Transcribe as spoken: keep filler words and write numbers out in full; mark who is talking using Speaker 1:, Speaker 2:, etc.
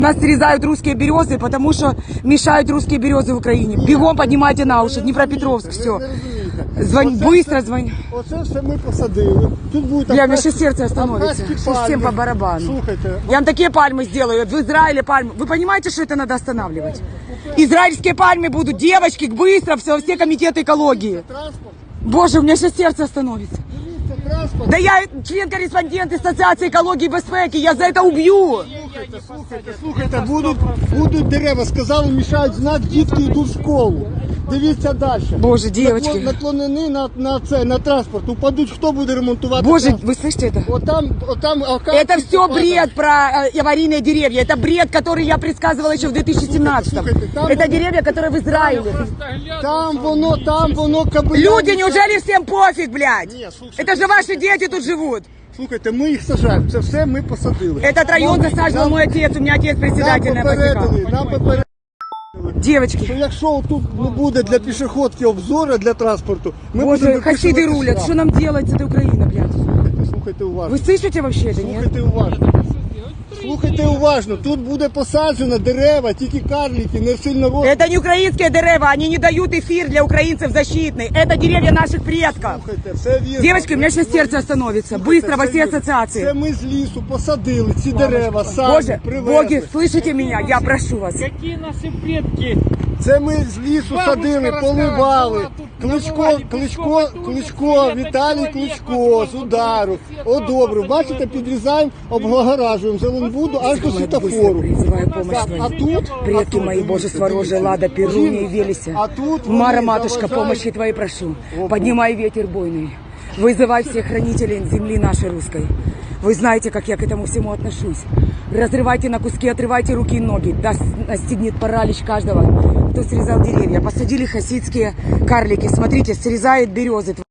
Speaker 1: Нас срезают русские березы, потому что мешают русские березы в Украине. Бегом поднимайте на уши, Днепропетровск, все. Звонь, быстро звонь.
Speaker 2: Оце все ми посадили. Тут будет
Speaker 1: Бля, мне сейчас сердце остановится. Сейчас всем по барабану.
Speaker 2: Слушайте.
Speaker 1: Я вам такие пальмы сделаю. В Израиле пальмы. Вы понимаете, что это надо останавливать? Израильские пальмы будут. Девочки, быстро, все, все комитеты экологии. Боже, у меня сейчас сердце остановится. Да я член-корреспондент Ассоциации экологии и безпеки, я за это убью.
Speaker 2: Слухайте, слухайте, слухайте, будуть, будуть дерева, сказали, мішають знак, дітки йдуть в школу. Дивіться далі.
Speaker 1: Боже, девочки.
Speaker 2: Наклонені на, на, це, на транспорт, упадуть, хто буде ремонтувати
Speaker 1: Боже,
Speaker 2: транспорт?
Speaker 1: вы слышите это?
Speaker 2: Вот там, вот там,
Speaker 1: Это все бред про э, аварийные деревья. Это бред, который я предсказывала еще в две тысячи семнадцатом.
Speaker 2: Слушайте, там
Speaker 1: Это
Speaker 2: воно-
Speaker 1: деревья, которые в Израиле.
Speaker 2: Там воно, там воно кабеля.
Speaker 1: Люди, неужели всем пофиг, блядь?
Speaker 2: Не, слушайте,
Speaker 1: Это же ваши дети тут живут.
Speaker 2: Слухайте, ми їх сажаємо, це все ми посадили.
Speaker 1: Этот район
Speaker 2: Нам-
Speaker 1: засаживал
Speaker 2: нам-
Speaker 1: мой отец, у меня отец
Speaker 2: Нам
Speaker 1: председательная
Speaker 2: попередили,
Speaker 1: ипотека.
Speaker 2: нам попередили, що
Speaker 1: Девочки,
Speaker 2: якщо тут не буде для пішоходки обзору для транспорту, ми
Speaker 1: боже,
Speaker 2: будемо
Speaker 1: хасиды
Speaker 2: виписувати
Speaker 1: рулят.
Speaker 2: штраф.
Speaker 1: Что нам делать с этой Украиной, блядь?
Speaker 2: Слухайте, слухайте уважно.
Speaker 1: Вы слышите вообще это, нет?
Speaker 2: Слухайте уважно. Слухайте уважно. Тут буде посаджено дерева, тільки карлики, не сильно ростуть.
Speaker 1: Это не украинские дерева, они не дают эфир для украинцев защитный. Это деревья наших предков.
Speaker 2: Слухайте, все вірно.
Speaker 1: Девочки, у меня сейчас сердце остановится.
Speaker 2: Слухайте,
Speaker 1: Быстро во
Speaker 2: це
Speaker 1: все
Speaker 2: вірно.
Speaker 1: ассоциации.
Speaker 2: Це ми з лісу посадили ці дерева, самі
Speaker 1: Боже,
Speaker 2: привезли.
Speaker 1: боги, слышите меня? Я прошу вас.
Speaker 3: Какие наши предки?
Speaker 2: Це ми з лісу
Speaker 3: Бабушка
Speaker 2: садили,
Speaker 3: розказувала,
Speaker 2: поливали.
Speaker 3: тут
Speaker 2: Кличко,
Speaker 3: наливали,
Speaker 2: Кличко,
Speaker 3: пішов,
Speaker 2: Кличко,
Speaker 3: тут
Speaker 2: Віталій
Speaker 3: чоловік,
Speaker 2: Кличко з удару. Одобрив. Бачите, підрізаємо, облагоражуємо Зеленбуду аж до світофору.
Speaker 1: Призываю помощь
Speaker 2: Так, а
Speaker 1: свою.
Speaker 2: тут,
Speaker 1: Предки мои, Боже, Сворожи, Лада, Перуния и Велеся.
Speaker 2: А тут
Speaker 1: Мара,
Speaker 2: вони
Speaker 1: матушка,
Speaker 2: заважають.
Speaker 1: помощи Твоей прошу. Поднимай ветер бойный. Вызывай всех хранителей земли нашей русской. Вы знаете, как я к этому всему отношусь. Разрывайте на куски, отрывайте руки и ноги. Да настигнет паралич каждого, кто срезал деревья. Посадили хасидские карлики. Смотрите, срезают березы.